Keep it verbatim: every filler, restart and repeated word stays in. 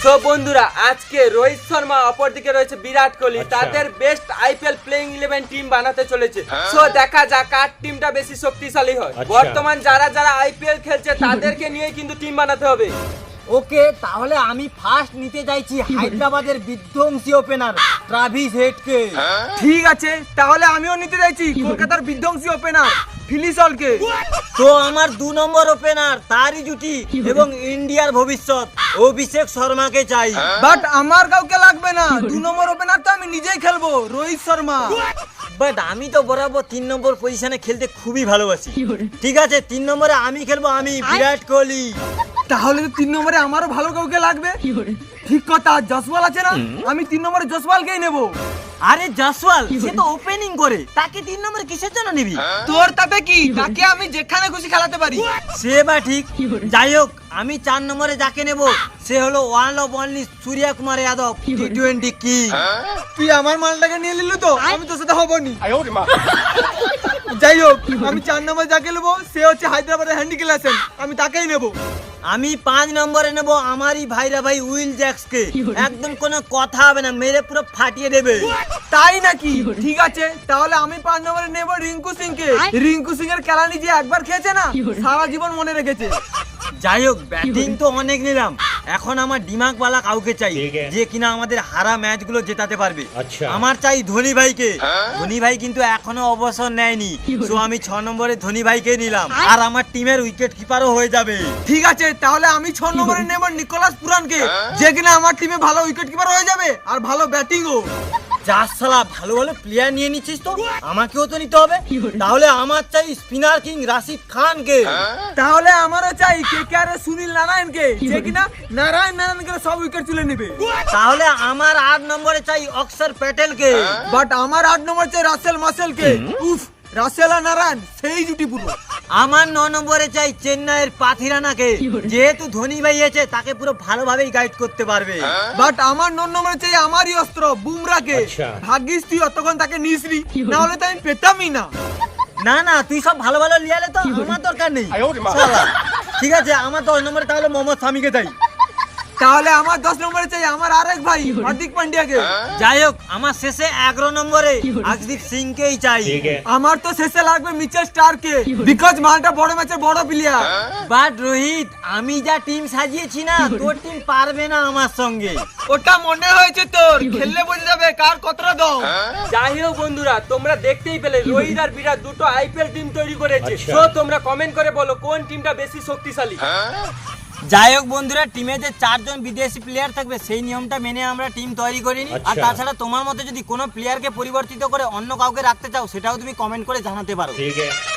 So বন্ধুরা আজকে রোহিত শর্মা অপরদিকে রয়েছে বিরাট কোহলি, তাদের best IPL playing eleven team বানাতে চলেছে। সো দেখা যাক কার টিমটা বেশি শক্তিশালী হয়। বর্তমান যারা যারা আইপিএল খেলছে তাদেরকে নিয়ে কিন্তু টিম বানাতে হবে। ওকে, তাহলে আমি ফার্স্ট নিতে যাইছি হায়দ্রাবাদের বিধ্বংসী ওপেনার ট্রাভিস হেডকে। ঠিক আছে, তাহলে আমিও নিতে যাইছি কলকাতার বিধ্বংসী ওপেনার ফিলিসলকে। তো আমার দু নম্বর ওপেনার তারই জুটি এবং ইন্ডিয়ার ভবিষ্যৎ অভিষেক শর্মাকে চাই। বাট আমার কাউকে লাগবে না, দু নম্বর ওপেনার তো আমি নিজেই খেলবো, রোহিত শর্মা। বাট আমি তো বরাবর তিন নম্বর পজিশনে খেলতে খুবই ভালোবাসি। ঠিক আছে, তিন নম্বরে আমি খেলবো, আমি বিরাট কোহলি। তাহলে তো তিন নম্বরে আমারও ভালো কাউকে লাগবে। ঠিক কথা, জসওয়াল আছে না, আমি তিন নম্বরে জসওয়ালকেই নেব। আরে জসওয়াল সে তো ওপেনিং করে, তাকে তিন নম্বরে কিসের জন্য নিবি? তোর তাতে কি, তাকে আমি যেখানে খুশি খেলাতে পারি। সে বা ঠিক, যাই হোক আমি চার নম্বরে যাকে নেব সে হলো one of only Surya Kumar Yadav, T twenty king. তুই আমার মালটাকে নিয়ে নিলি তো, আমি তোর সাথে হবনি। যাই হোক, আমি চার নম্বরে যাকে নেবো সে হচ্ছে হায়দ্রাবাদের হ্যান্ডি ক্লাসেন, আমি তাকেই নেব। আমি পাঁচ নম্বরে নেব আমারই ভাইরা ভাই উইল জ্যাক্সকে। একদম কোনো কথা হবে না, মেরে পুরো ফাটিয়ে দেবে। তাই নাকি? ঠিক আছে, তাহলে আমি পাঁচ নম্বরে নেব রিঙ্কু সিং কে। রিঙ্কু সিং এর খেলানি যে একবার খেয়েছে না, সারা জীবন মনে রেখেছে। যাই হোক, ব্যাটিং তো অনেক নিলাম, এখন আমার দিমাগওয়ালা কাউকে চাই যে কিনা আমাদের হারা ম্যাচগুলো জেতাতে পারবে। আমার চাই ধোনি ভাইকে। ধোনি ভাই কিন্তু এখনো অবসর নেয়নি, তো আমি ছ নম্বরে ধোনি ভাইকে নিলাম, আর আমার টিমের উইকেট কিপারও হয়ে যাবে। ঠিক আছে, তাহলে আমি ছ নম্বরে নেব নিকোলাস পুরানকে, যে কিনা আমার টিমে ভালো উইকেট কিপার হয়ে যাবে আর ভালো ব্যাটিংও। যার শালা ভালো ভালো প্লেয়ার নিয়ে নিচ্ছিস, তো আমাকেও তো নিতে হবে। তাহলে আমার চাই স্পিনার কিং রাশিদ খানকে। তাহলে আমারও চাই কেকেআর এর সুনীল নারায়ণকে, যে কিনা নারায়ণ নারায়ণকে সব উইকেট তুলে নেবে। তাহলে আমার আট নম্বরে চাই অক্ষর প্যাটেলকে। বাট আমার আট নম্বর চাই রাসেল মাসেলকে। উফ, রাসেল আর নারায়ণ সেই জুটি পুরো। আমার ন নম্বরে চাই চেন্নাইয়ের পাথিরানাকে, যেহেতু ধোনি ভাই আছে তাকে পুরো ভালোভাবেই গাইড করতে পারবে। বাট আমার ন নম্বরে চাই আমারই অস্ত্র বুমরাকে। ভাগ্যিস তুই অতক্ষণ তাকে নিসরি, না হলে তো আমি পেতামই না। না না, তুই সব ভালো ভালো লিয়ালে তো আমার দরকার নেই। শালা। ঠিক আছে, আমার দশ নম্বরে তাহলে মোহাম্মদ শামিকে চাই। তাহলে আমার দশ নম্বরে চাই আমার আরেক ভাই হার্দিক পান্ডিয়াকে। যাই হোক, আমার শেষে এগারো নম্বরে আকদীপ সিংকেই চাই। আমার তো শেষে লাগবে মিচেল স্টারকে, বিকজ মালটা বড় ম্যাচের বড় প্লেয়ার। বাট রোহিত, আমি যা টিম সাজিয়েছি না, তোর টিম পারবে না আমার সঙ্গে। ওটা মনে হয়েছে তোর, খেললে বোঝা যাবে কার কতটা দম। যাই হোক বন্ধুরা, তোমরা দেখতেই পেলে রোহিত আর বিরাট দুটো আইপিএল টিম তৈরি করেছে। সো তোমরা কমেন্ট করে বলো কোন টিমটা বেশি শক্তিশালী। যাই হোক বন্ধুরা, টিমে যে চারজন বিদেশি প্লেয়ার থাকবে সেই নিয়মটা মেনে আমরা টিম তৈরি করিনি। আর তাছাড়া তোমার মতে যদি কোনো প্লেয়ারকে পরিবর্তিত করে অন্য কাউকে রাখতে চাও, সেটাও তুমি কমেন্ট করে জানাতে পারো।